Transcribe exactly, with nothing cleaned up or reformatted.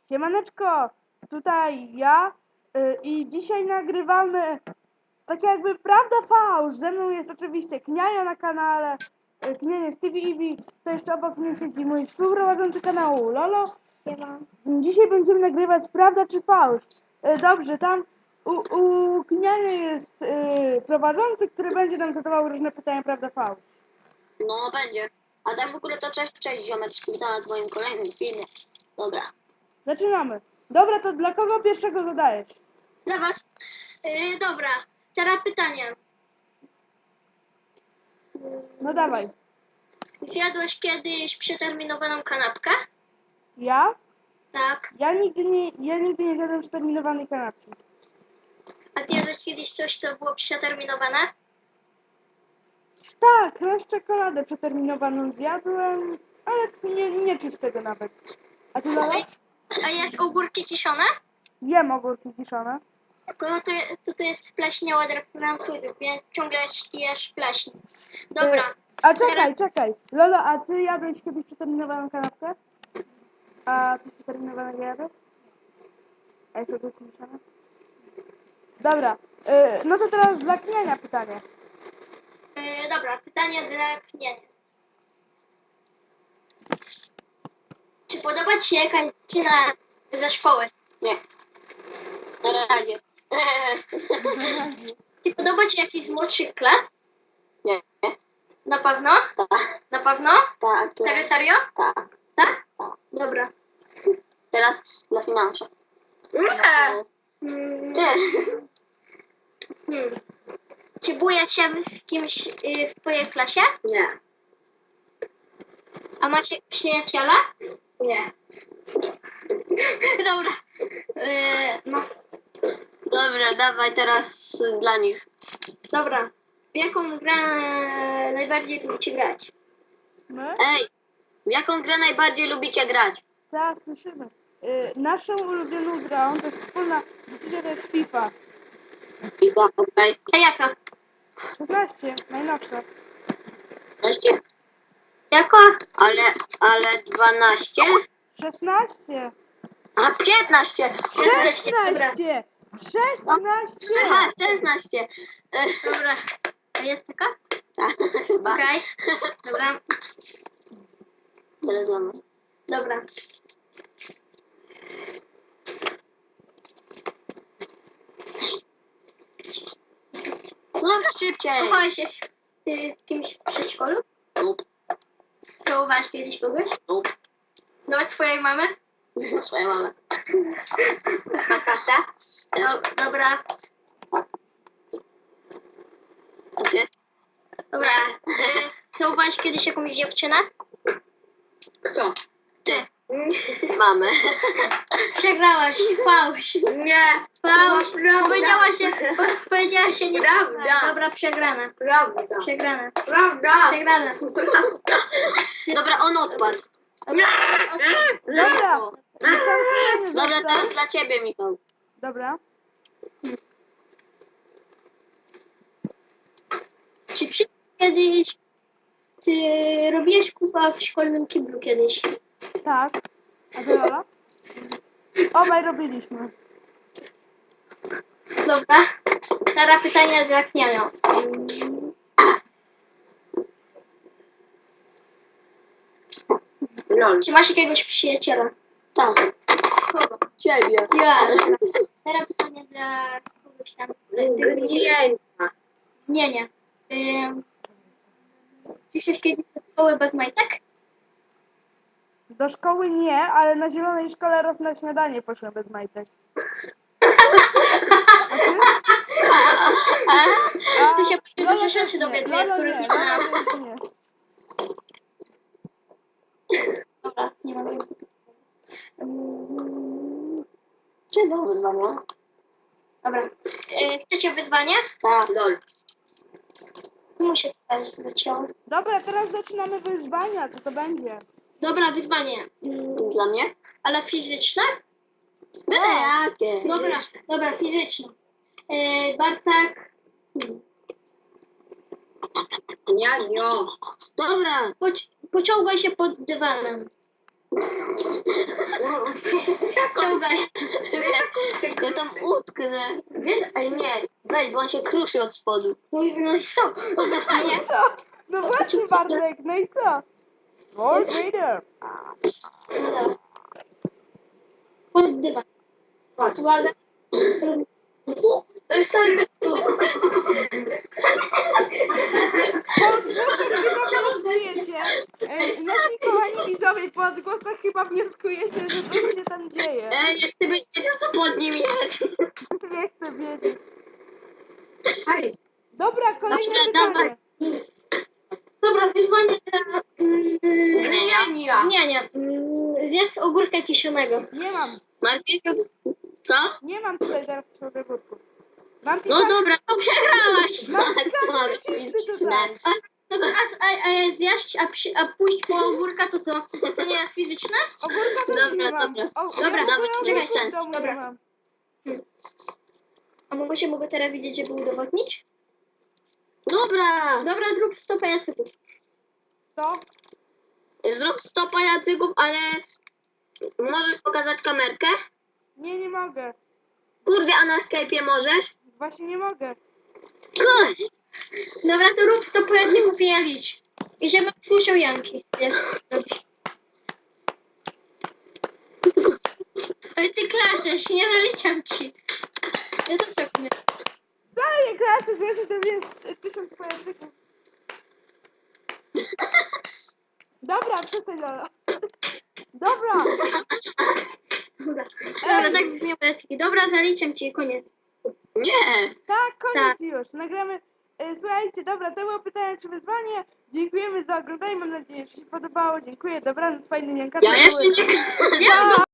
Siemaneczko, tutaj ja y, i dzisiaj nagrywamy tak jakby prawda fałsz. Ze mną jest oczywiście Kniajo na kanale, y, Kniajo z T V E V, to jeszcze obok mnie siedzi mój współprowadzący kanału Lolo. Siema. Dzisiaj będziemy nagrywać prawda czy fałsz. Y, dobrze, tam u, u Kniajo jest y, prowadzący, który będzie nam zadawał różne pytania prawda fałsz. No będzie. A tak w ogóle to cześć, cześć ziomeczki, witam was w moim kolejnym filmie. Dobra. Zaczynamy. Dobra, to dla kogo pierwszego zadajesz? Dla was. Yy, dobra. Teraz pytanie. No dawaj. Zjadłeś kiedyś przeterminowaną kanapkę? Ja? Tak. Ja nigdy nie, ja nigdy nie zjadłem przeterminowanej kanapki. A ty jadłeś kiedyś coś, co było przeterminowane? Tak, raz czekoladę przeterminowaną zjadłem, ale nie, nie czuć tego nawet. A ty Lola? A jest ogórki kiszone? Jem ogórki kiszone. No to, to, to jest spleśniała dla Francuzów, więc ciągle jesz pleśń. Dobra. Y, a czekaj, czekaj. Lolo, a ty jadłeś kiedyś przeterminowaną kanapkę? A coś przeterminowanego jadłeś? A jest ogórki kiszone? Dobra, y, no to teraz dla Kniania pytanie. Yy, dobra, pytanie dla Knienia. Czy podoba ci się jakaś dziewczyna ze szkoły? Nie. Na razie. Czy podoba ci jakiś z młodszych klas? Nie. Na pewno? Tak. Na pewno? Tak. Serio, serio? Tak. Tak? Tak. Dobra. Teraz dla finansów. Nie. Hmm. Ty. Hmm. Czy bujesz się z kimś y, w twojej klasie? Nie. A macie przyjaciela? Nie. Dobra. Yy, no. Dobra, dawaj teraz dla nich. Dobra. W jaką grę najbardziej lubicie grać? My? Ej, w jaką grę najbardziej lubicie grać? Teraz słyszymy. Y, naszą ulubioną grą to jest wspólna decyzja, to jest FIFA. FIFA, okej. Okay. A jaka? szesnaście, najnowsza. szesnaście. Jaka? Ale, ale dwanaście? szesnaście! A piętnaście. szesnaście! szesnaście! Aha, szesnaście. Dobra. A jest taka? Tak, chyba. Okej. Okay. Dobra. Teraz dla nas. Dobra. Dobra, szybciej. Kochałeś się z kimś w przedszkolu? Nope. Całowałeś kiedyś kogoś? Nope. Nawet swojej mamy? Swojej mamy. Na kartę? No, dobra. A ty? Dobra. Y, całowałeś kiedyś jakąś dziewczynę? Kto? Ty. Mamy. Przegrałaś. Fałsz. Nie. Fałsz. Powiedziałaś się, powiedziałaś się nie. Prawda. Dobra, przegrana. Prawda. Przegrana. Prawda. Przegrana. Dobra, on odpadł. Dobra. Dobra. Dobra, teraz dla ciebie, Michał. Dobra. Czy przy... kiedyś ty robiłeś kupa w szkolnym kiblu kiedyś? Tak. A ty Lola? Obaj robiliśmy. Dobra. Teraz pytania dla Kniajo. No. Czy masz jakiegoś przyjaciela? Tak. Kogo? Ciebie. Ja. Teraz pytanie dla kogoś tam. Nie. Nie, nie. Ym... Przyszłeś kiedyś do szkoły bez majtek? Do szkoły nie, ale na zielonej szkole raz na śniadanie poszłem bez majtek. A ty? A, Tu się Lola dużo też rzeczy nie. dowiaduję, Lola których nie. nie Lola znałam. też nie. Dobra, nie mam um, Czy było wyzwanie? Dobra. E, chcecie wyzwanie? Tak. Lol. Muszę też zleciał. Dobra, teraz zaczynamy wyzwania. Co to będzie? Dobra, wyzwanie. Dla mnie? Ale fizyczne? Byle jakie. Dobra, dobra, fizyczne. E, Bartek. Hmm. Ja nie. Dobra, poci- pociągaj się pod dywanem. Ciągaj. Ja tam utknę. Wiesz, ej nie, weź, bo on się kruszy od spodu. No, no i co? Nie? Co? No właśnie, Bartek, no i co? Lord Vader. Chodź dywan. Uwaga. Stary, Po odgłosach chyba wnioskujecie, e, nasi kochani widzowie, po odgłosach chyba wnioskujecie, że coś się tam dzieje. ej, jak ty byś wiedział, co pod nim jest. Nie chcę wiedzieć. Hajs. Dobra, kolejne Dobrze, pytanie. dawaj. Dobra, wyzwanie dla... Mm, Gnienia. nie, nie. Mm, zjedz ogórka kiszonego. Nie mam, Masz zjeść od... Co? nie mam tutaj teraz przewodników. Mam No pikantne, dobra, to przegrałaś. mam Tak, to ma być pikantne chipsy fizyczne. tutaj. A, dobra, a, a, a zjeść, a, przy, a pójść po ogórka, to co? To nie jest fizyczne? Ogórka też Dobra, nie mam. dobra. O, Dobra, ja dobra, ogórka to w bez sensu. domu nie Dobra. mam. A mogę się mogę teraz widzieć, żeby udowodnić? Dobra. Dobra, zrób sto pajacyków. To? Zrób sto pajacyków, ale możesz pokazać kamerkę? Nie, nie mogę. Kurde, a na Skype'ie możesz? Właśnie nie mogę. Kurde. Dobra, to rób sto pajacyków i ja licz. I żebym słyszał Janki. Jak robisz. Ale ty klaszczesz, nie naliczam ci. Ja to tak nie. Wcale nie klaszę, że jeszcze to jest e, tysiąc pojatyków. Dobra, przestań, Lola. Dobra, Dobra, Dobra tak brzmią pajacyki. Dobra, zaliczam ci, koniec. Nie. tak, koniec Tak. już. Nagramy. E, słuchajcie, dobra, to było pytanie czy wyzwanie. Dziękujemy za oglądanie. Mam nadzieję, że się podobało. Dziękuję, dobranoc, fajny Janka. Ja jeszcze nie... Pa!